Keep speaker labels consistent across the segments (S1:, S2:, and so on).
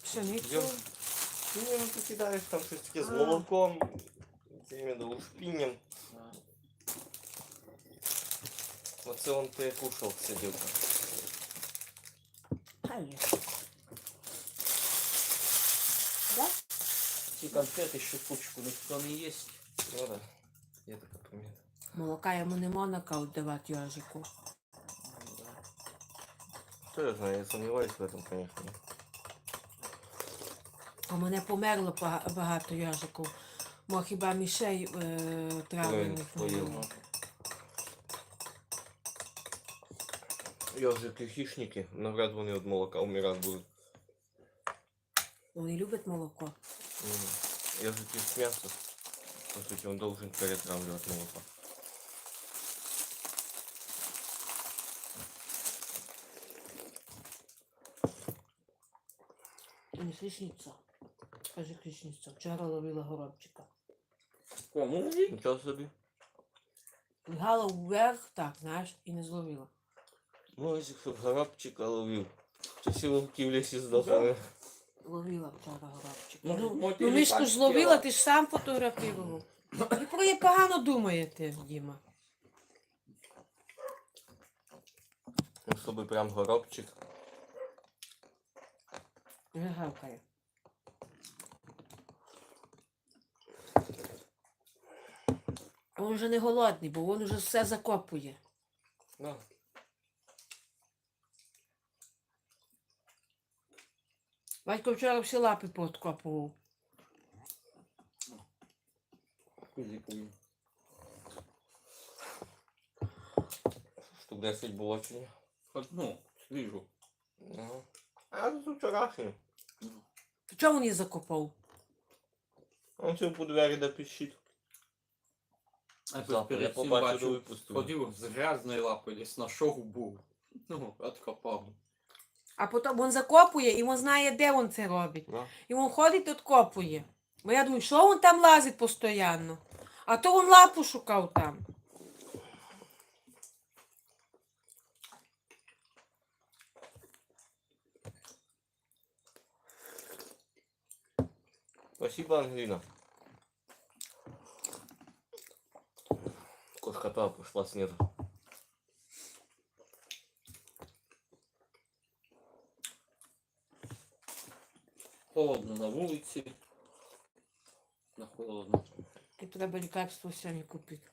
S1: Пшеницю.
S2: Шпінням ти кидаєш там щось таке з молоком. Це іменно шпінням. Оце он перекушав сидівка.
S1: Да?
S3: Ці конфети щепучку ніхто не їсть.
S2: Ну да, є така примета.
S1: Молока йому не можна давати Йожику.
S2: Что я знаю, я сомневаюсь в этом, конечно.
S1: У мене померло багато Йожиків. Мо хіба мішей травлених не було.
S2: Йожики хищники, навряд вони від молока умирати будуть.
S1: Вони люблять молоко.
S2: Йожики з м'яса. По суті, він должен перетравлювати молоко.
S1: Не хищниця. Скажи хищниця. Вчора ловила горобчика.
S3: Кому?
S2: Нічого собі.
S1: Лягала вверх, так, знаєш, і не зловила.
S2: Ну, якщо б горобчика ловив, то всі вовки в лісі здохли.
S1: Ловила вчора горобчика.
S3: Ну,
S1: Ну мішку ж зловила, ти ж сам фотографував. Ви про її погано думаєте, Діма.
S2: Ну, щоб прям горобчик.
S1: Не гавкає. Він вже не голодний, бо він вже все закопує.
S2: Да.
S1: Батько вчора всі лапи пооткопував.
S2: Штук 10 було чи ні?
S3: Одну, свіжу.
S2: Ага. А це вчорашнє.
S1: То чого він її закопав?
S2: Он цю по двері да пищить.
S3: А
S2: Завтра я
S3: перед цим
S2: побачив,
S3: бачу,
S2: випустив.
S3: ходив з грязною лапою, десь знайшов був. Ну, откопав.
S1: А потім він закопує і він знає, де він це робить.
S2: Да.
S1: І він ходить і откопує. Бо я думаю, що він там лазить постійно? А то він лапу шукав там.
S2: Спасибо, Ангелина. Кошка-то пошла снизу.
S3: Холодно на вулиці. На холодно.
S1: І треба лікарство самі купити.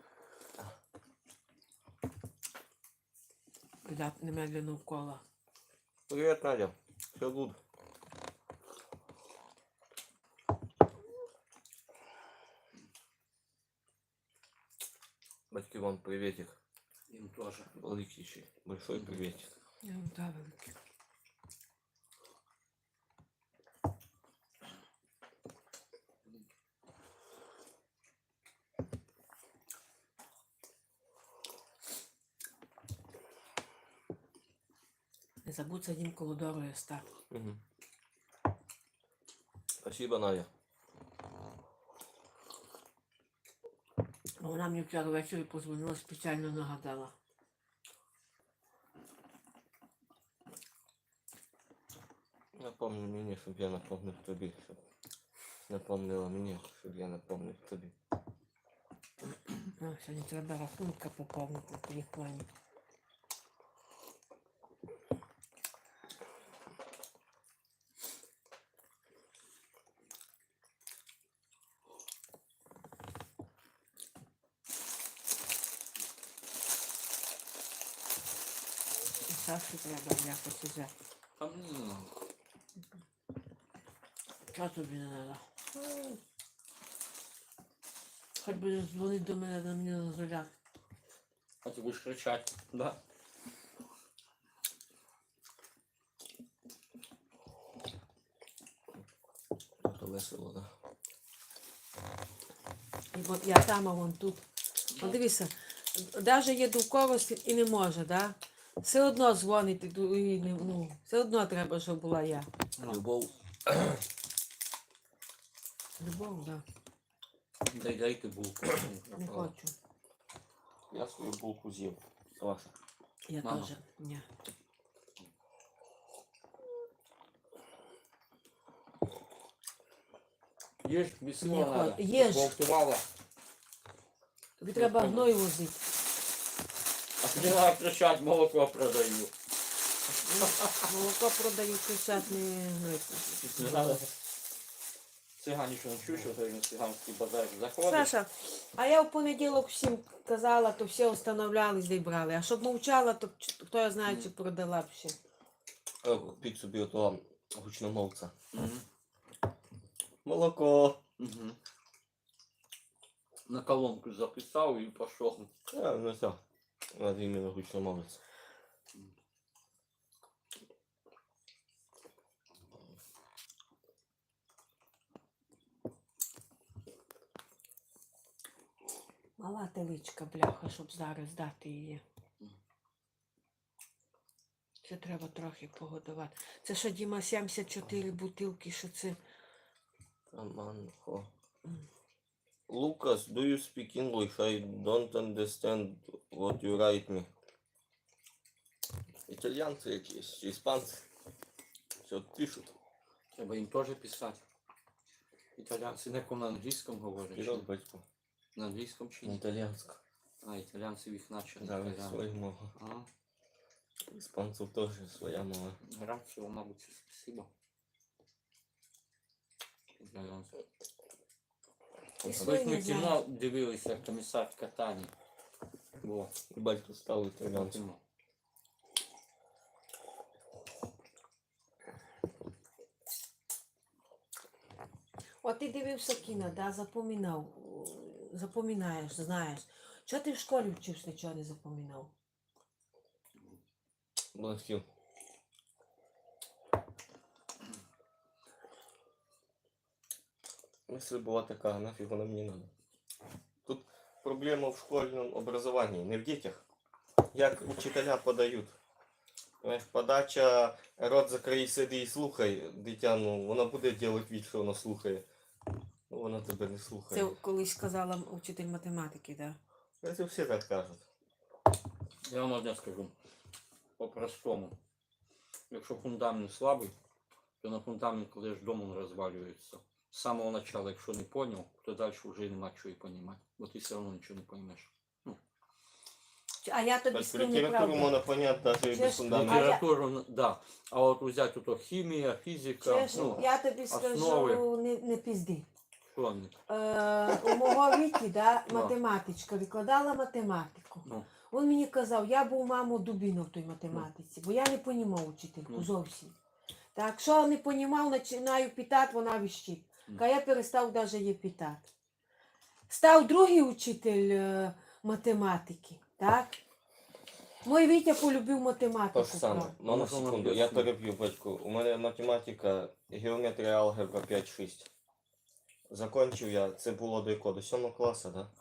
S1: Куда немедленно вкола.
S2: Привет, Надя. Все good. Батьки, вам приветик.
S3: Їм теж.
S2: Великий ще. Большой приветик.
S1: Я вам дам велике. Не забудь садім коло дороги стати.
S2: Угу. Спасибо, Надя.
S1: Вона мені вчора ввечері позвонила, спеціально нагадала.
S2: Напомни мені, щоб я напомнив тобі. Щоб напомнила мені, щоб я напомнив тобі.
S1: А, сьогодні треба рахунка поповнити в телефоні. І Саші треба якось взяти.
S3: Там не знаю.
S1: Чого тобі не треба? Хоч би дзвонить до мене, на мене дозволяти.
S3: А ти будеш кричати, да?
S2: Це весело, да?
S1: І от я там, а вон тут. От дивися, навіть є довкорості і не може, да? Все одно дзвонить, і ну, все одно треба, щоб була я.
S2: Любов.
S1: Любов, да.
S3: Дайте булку.
S1: Не хочу.
S2: Я свою булку з'їв. Ваша.
S1: Я
S3: Мама.
S1: теж. Ні.
S3: Ешь, без
S1: Не
S3: всего
S1: хо-
S3: надо.
S1: ешь.
S3: Болтувала.
S1: Тобі треба
S3: понял.
S1: гной возити.
S3: А тебе надо кричать, молоко продаю.
S1: Ну, молоко продаю, кричать не гной.
S3: Не надо. Цыгане что чуешь, вот на цыганский базар заходишь.
S1: Саша, а я в понеділок всім казала, то всі встановлялись, де й брали. А щоб мовчала, то хто я знає, чи продала б ще.
S2: Купіть собі отого гучномовця.
S3: Мгм.
S2: Молоко.
S3: Мгм. На колонку записал и пошел.
S2: Ну все. Надо іменно гучномовець.
S1: Мала теличка, бляха, щоб зараз дати її. Це треба трохи погодувати. Це що, Діма, 74 бутилки, що це?
S2: Аманхо. Lucas, do you speak English? I don't understand what you write me. Італійці якісь, чи іспанці. Що пишуть.
S3: Треба им тоже писать. Итальянцы на ком на английском говорят?
S2: Кидав
S3: чи?
S2: батько.
S3: На английском чи ні?
S2: Італійська.
S3: А, итальянцы их начали.
S2: Да,
S3: итальян.
S2: своя мова.
S3: А,
S2: Іспанців теж своя мова.
S3: грацию, мабуть, спасибо. Итальянцы.
S1: І
S3: Ось
S1: свої
S3: ми
S1: не знаю.
S3: кіно дивилися, комісар Катані. Во,
S2: І батько став італійцем.
S3: кіно.
S1: От ти дивився кіно, да, запоминав, запоминаєш, знаєш. Чого ти в школі вчився, нічого не запоминав?
S2: Блахів. Если була така, нафіг вона мені надо. Тут проблема в школьному образовании, не в дітях. Як учителя подають. Знаєш, подача, рот закрий, сиди і слухай, дитя, ну, вона буде робити від, що вона слухає. Ну, вона тебе не слухає.
S1: Це колись сказала вчитель математики, да?
S2: Це всі так кажуть.
S3: Я вам одне скажу. По-простому. Якщо фундамент слабий, то на фундамент кладеш дом, він розвалюється. З самого начала, якщо не понял, то далі вже нема чого і розуміти. Бо ти все одно нічого не поймеш.
S1: А я тобі
S2: Тобто
S1: скажу
S2: літературу
S1: неправду.
S2: можна поняти навіть і
S1: Чеш,
S2: без фундаменту.
S3: Літературу, да. А от взяти ото хімія, фізика,
S1: Чеш,
S3: ну,
S1: я тобі скажу,
S3: основи.
S1: не пізди.
S3: що вони?
S1: У мого віки, да, математичка викладала математику.
S3: Ну,
S1: Він мені казав, я був, мамо, дубіно в той математиці, бо я не понімав учительку
S3: Ну.
S1: зовсім. Так, що не понімав, починаю питати, вона віщить. Ка я перестав навіть її питати. Став другий учитель математики, так? Мой Вітя полюбив математику.
S2: То ж саме.
S1: правда.
S2: Мама,
S3: Можна
S2: секунду,
S3: нам
S2: я
S3: пояснити?
S2: переб'ю батьку. У мене математика, геометрія, алгебра 5-6. Закончив я, це було до якого? До 7 класу, да?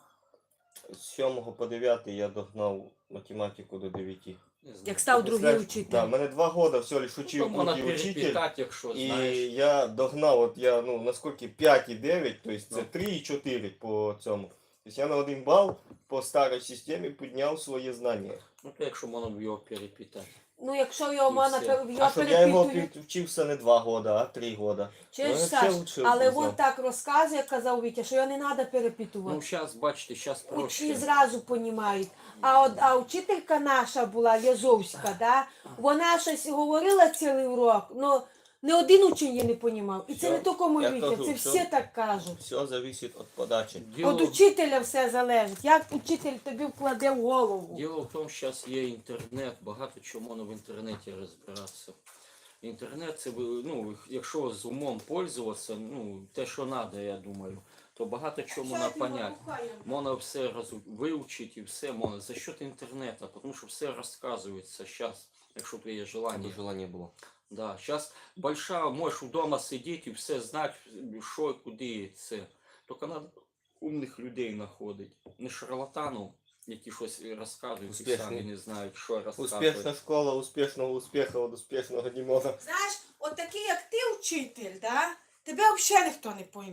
S2: З 7 по 9 я догнав математику до 9.
S3: не знаю.
S1: Як став другий
S2: Представляєш,
S1: учитель.
S2: Да, мене 2 роки всього лиш
S3: То
S2: учив
S3: можна
S2: бути учитель.
S3: перепитати, якщо
S2: І
S3: знаєш.
S2: я догнав, от я, ну, наскільки 5,9, тобто це
S3: Ну.
S2: 3,4 по цьому. Тобто я на 1 бал по старій системі підняв свої знання.
S3: Ну, то якщо можна б його перепитати.
S1: Ну, якщо його
S3: І
S1: можна
S3: все.
S1: його
S2: А щоб я його
S1: перепитую.
S2: вчився не 2 роки, а 3 роки.
S1: Чуєш,
S2: Ну,
S1: Саш,
S2: ще лучше
S1: але
S2: узнав.
S1: він так розказує, казав Вітя, що його не треба перепитувати.
S3: Ну, зараз, бачите, зараз
S1: Учні
S3: проще.
S1: зразу понімають. А вчителька наша була, Язовська, да? Вона щось говорила цілий урок, але не один учень її не понімав. І це
S2: Все.
S1: не тільки мій
S2: Я
S1: Вітя,
S2: кажу,
S1: це
S2: все.
S1: всі так кажуть.
S2: Все зависит от подачи.
S1: Від учителя все залежить. Як учитель тобі вкладе в голову.
S3: Діло в тому, що зараз є інтернет, багато чого можна в інтернеті розбиратися. Інтернет це, ну, якщо з умом пользуватися, ну, те, що треба, я думаю, то багато чого можна поняти. Можна все вивчити і все можна за счет інтернету, тому що все розказується зараз, якщо в тебе є
S2: Аби
S3: желання.
S2: желання було.
S3: Да, сейчас большая, можешь вдома сидіти і все знати, що і куди це. Тільки треба умних людей знаходити. Не шарлатанів, які щось розказують і
S2: Успішні.
S3: самі не знають, що розказують.
S2: Успішна школа, успішного успіху від успішного не може.
S1: Знаєш, от такий, як ти учитель, да? Тебе взагалі ніхто не пойме.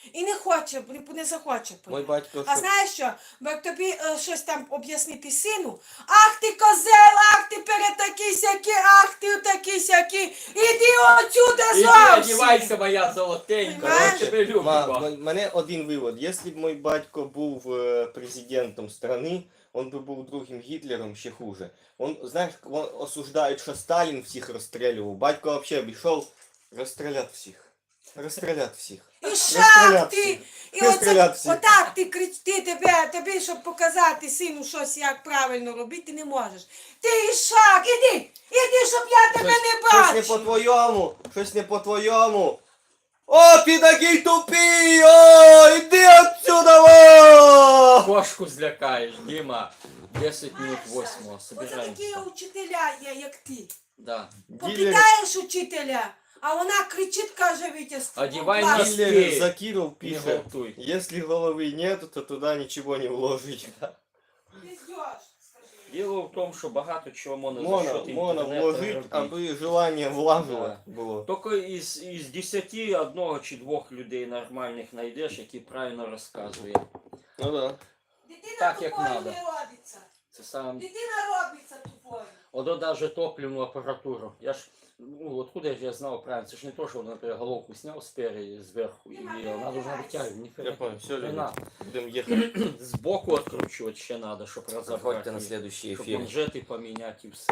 S1: І не хоче, не захоче
S2: Мой
S1: поїхати.
S2: батько,
S1: А
S2: що...
S1: знаєш що? Бо як тобі щось там об'яснити сину, ах ти козел, ах ти перед такий сякий, ах ти такий сякий, іди отсюда
S3: Іди,
S1: зовсім.
S3: одівайся, моя золотенька, я
S1: Понимаєш?
S3: тебе люблю.
S2: Мене один вивод. Якщо б мой батько був президентом страны, он би був другим Гітлером, ще хуже. Он, знаєш, осуждають, що Сталін всіх розстрілював. Батько взагалі обійшов розстріляти всіх. Розстріляти всіх.
S1: І шах
S2: Розстріляти
S1: ти,
S2: всіх.
S1: і
S2: Розстріляти
S1: оце,
S2: всіх.
S1: отак ти тобі, щоб показати сину щось, як правильно робити, ти не можеш. Ти і шах, іди, щоб я тебе не
S2: Щось не
S1: бачив.
S2: по-твоєму, щось не по-твоєму. О, ти такий тупий, о, іди отсюда, о!
S3: Кошку злякаєш, Діма. 10 минут 8,
S1: Оце
S3: собираємося.
S1: такі учителя є, як ти.
S3: Да.
S1: Попитаєш учителя, а вона кричить, каже Вітя,
S3: Одівай
S1: клас.
S3: носки.
S2: Гиллер Закиров
S3: Не
S2: пишет,
S3: галтуй.
S2: если головы нет, то туда ничего не вложить.
S1: Пиздёж, скажи.
S3: Діло в тому, що багато чого можна за
S2: Можно,
S3: счет
S2: можно
S3: інтернету
S2: вложить,
S3: робити.
S2: аби желание влаживать было.
S3: Тільки із 10 одного чи двох людей нормальних знайдеш, які правильно розказують.
S2: Ну да.
S1: Дитина
S3: Так, як
S1: тупою
S3: надо.
S1: не робиться.
S3: Це сам.
S1: Дитина робиться тупою.
S3: Ото даже топливну апаратуру. Я ж, ну, откуда ж я знав правильно? Це ж не то, що, наприклад, головку зняв спереди, зверху, і вона должна витягувати.
S2: Я понял, все,
S3: Не
S2: люди,
S3: надо.
S2: будем ехать.
S3: Збоку відкручувати ще треба, щоб розібрати.
S2: Заходьте на следующий
S3: Щоб
S2: эфир.
S3: манжети поміняти і все.